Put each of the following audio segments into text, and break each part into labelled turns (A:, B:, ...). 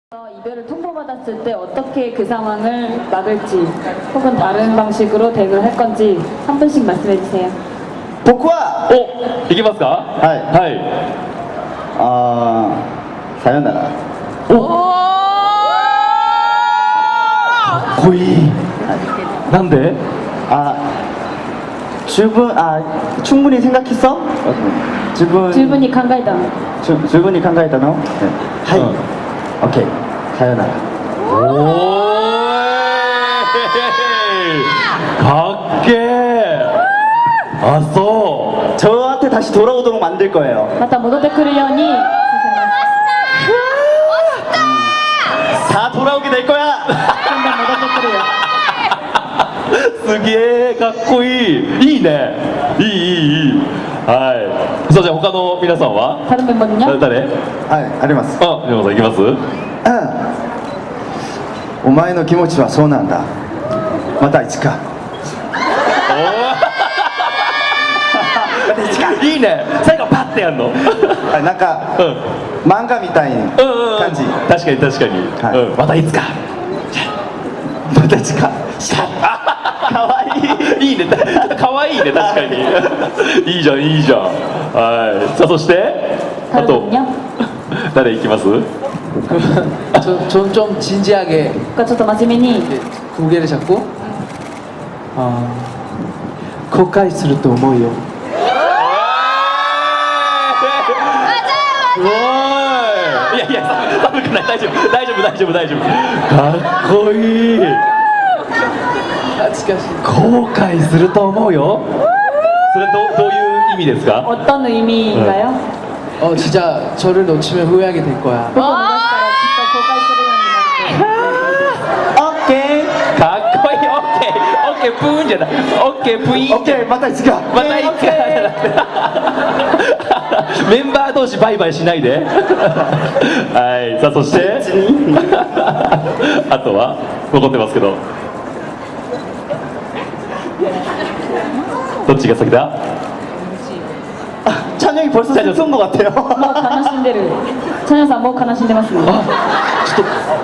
A: 이별을 통보받았을 때 어떻게 그 상황을 막을지 혹은 다른 방식으로 대응을 할 건지 한 분씩 말씀해 주세요.
B: 僕は
C: お、いけますか？
B: はい
C: はい。
B: さよなら。
C: かっこいい。なんで？
B: 충분히 생각했어?
A: 질문이 강가이다.
B: 충분히 考えたの? 네. はい、OK さよなら。
C: おーい。かっけー。あ、そう。
B: 저한테 다시 돌아오도록 만들 거예요.
A: また戻ってくるようにさせます。
B: 다 돌아오게 될 거야.
A: どんどん戻ってくるよ。
C: すげえかっこいい。いいね。いい。はい。さあじゃあ他の皆さんは？
A: 다른 멤버는요?
C: 誰？
B: はい、あります。
C: あ、皆さんいきます？
B: お前の気持ちはそうなんだ。またいつか。
C: いいね。最後パッてやんの。
B: なんか、漫画みたいな感じ。
C: 確かに確かに。
B: はい
C: またいつか。
B: またいつか。
C: かわいい。いいね。かわいいね、確かに。いいじゃん、いいじゃん。はい。さあそしてあと
A: 다른분은요?
C: 誰いきます？
D: 저는 좀 진지하게
A: ちょっと真面目に
D: 고개를 잡고後悔すると思うよ。
C: すごい。いやいや、寒くない。大丈夫。かっこいい。
D: 懐かしい。
C: 後悔すると思うよ。それどういう意味ですか？
A: 어떤 의미인가요?
D: 진짜 저를 놓치면 후회하게 될 거야.
A: 그거 먹었다라 진짜 고갈 소리가 나는데.
C: かっこいい。オッケープーンじゃない。オッケープイーン。
B: オッケー、またいつか。
C: またいつか。メンバー同士バイバイしないで。はい。さあそしてあとは残ってますけど、どっちが先だ？
B: 찬영이 벌써 슬픈 것 같아요.
A: もう悲しんでる。チャニョさんもう悲しんでますね。
C: ちょっと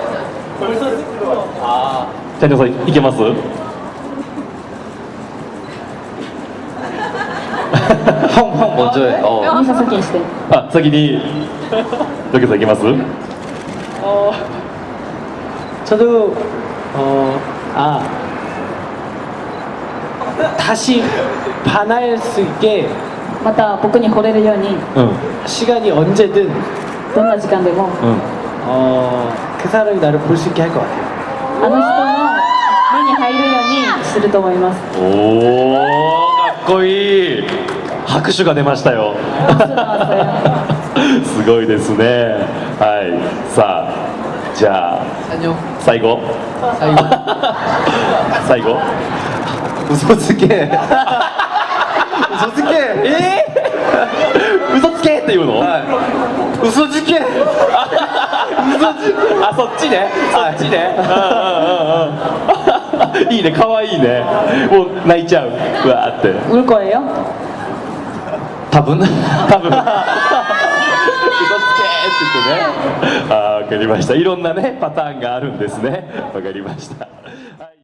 C: チャンネルさんいけます？
D: 형 먼저 해.
A: 미사先にして。
C: あ、先にドケさんいけます？
D: 저도 다시 반할 수 있게
A: また僕に惚れるように
D: 시간이 언제든
A: どんな時間でも
D: 그 사람이 나를 볼 수 있게 할 것 같아요.
A: あの人の目に入るようにすると思います。
C: おー、かっこいい。拍手が出ましたよ。すごいですね。はい。さあ、じゃあ
D: 안녕.
C: 最後。最後。
B: 嘘つけ。嘘つけ。
C: 嘘つけっていうの？
B: 嘘つけ。
C: あ、そっちね。そっちね。いいね、可愛いね。もう泣いちゃう。うわーって。
A: 울 거예요?
C: 多分。嘘つけって言ってね。あー、わかりました。いろんなねパターンがあるんですね。わかりました。はい